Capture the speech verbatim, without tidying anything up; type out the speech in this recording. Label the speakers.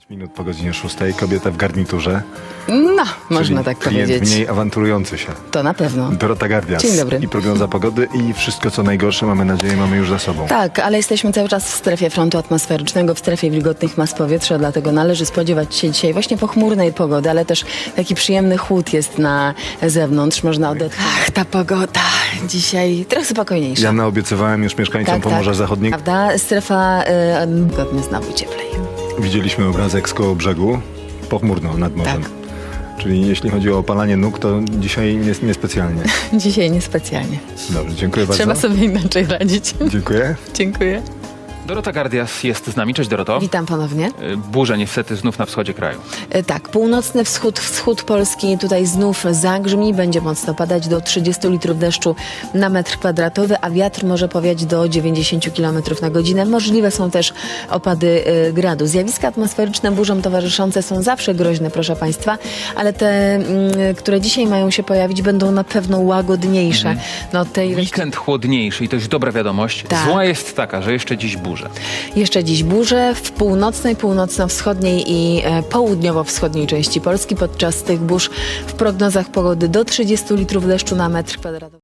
Speaker 1: pięć minut po godzinie szóstej, kobieta w garniturze.
Speaker 2: No, można
Speaker 1: czyli
Speaker 2: tak
Speaker 1: klient
Speaker 2: powiedzieć.
Speaker 1: mniej awanturujący się.
Speaker 2: To na pewno.
Speaker 1: Dorota Gardias.
Speaker 2: Dzień dobry.
Speaker 1: I prognoza pogody i wszystko co najgorsze, mamy nadzieję, mamy już za sobą.
Speaker 2: Tak, ale jesteśmy cały czas w strefie frontu atmosferycznego, w strefie wilgotnych mas powietrza, dlatego należy spodziewać się dzisiaj właśnie pochmurnej pogody, ale też taki przyjemny chłód jest na zewnątrz. Można odetchnąć. Ach, ta pogoda dzisiaj trochę spokojniejsza.
Speaker 1: Ja naobiecywałem już mieszkańcom Pomorza Zachodniego.
Speaker 2: Prawda? Strefa y, godnie znowu cieplej.
Speaker 1: Widzieliśmy obrazek z koło brzegu, pochmurno nad morzem.
Speaker 2: Tak.
Speaker 1: Czyli jeśli chodzi o opalanie nóg, to dzisiaj nie, niespecjalnie.
Speaker 2: Dzisiaj niespecjalnie.
Speaker 1: Dobrze, dziękuję bardzo.
Speaker 2: Trzeba sobie inaczej radzić.
Speaker 1: Dziękuję.
Speaker 2: Dziękuję.
Speaker 3: Dorota Gardias jest z nami. Cześć, Doroto.
Speaker 2: Witam ponownie.
Speaker 3: Y, Burze niestety znów na wschodzie kraju.
Speaker 2: E, Tak, północny wschód, wschód Polski tutaj znów zagrzmi, będzie mocno padać do trzydziestu litrów deszczu na metr kwadratowy, a wiatr może powiać do dziewięćdziesięciu kilometrów na godzinę. Możliwe są też opady e, gradu. Zjawiska atmosferyczne burzom towarzyszące są zawsze groźne, proszę Państwa, ale te, mm, które dzisiaj mają się pojawić, będą na pewno łagodniejsze.
Speaker 3: Mhm.
Speaker 2: No, od tej
Speaker 3: Weekend chłodniejszy i to jest dobra wiadomość.
Speaker 2: Tak.
Speaker 3: Zła jest taka, że jeszcze dziś burze.
Speaker 2: Jeszcze dziś burze w północnej, północno-wschodniej i e, południowo-wschodniej części Polski. Podczas tych burz w prognozach pogody do trzydziestu litrów deszczu na metr kwadratowy.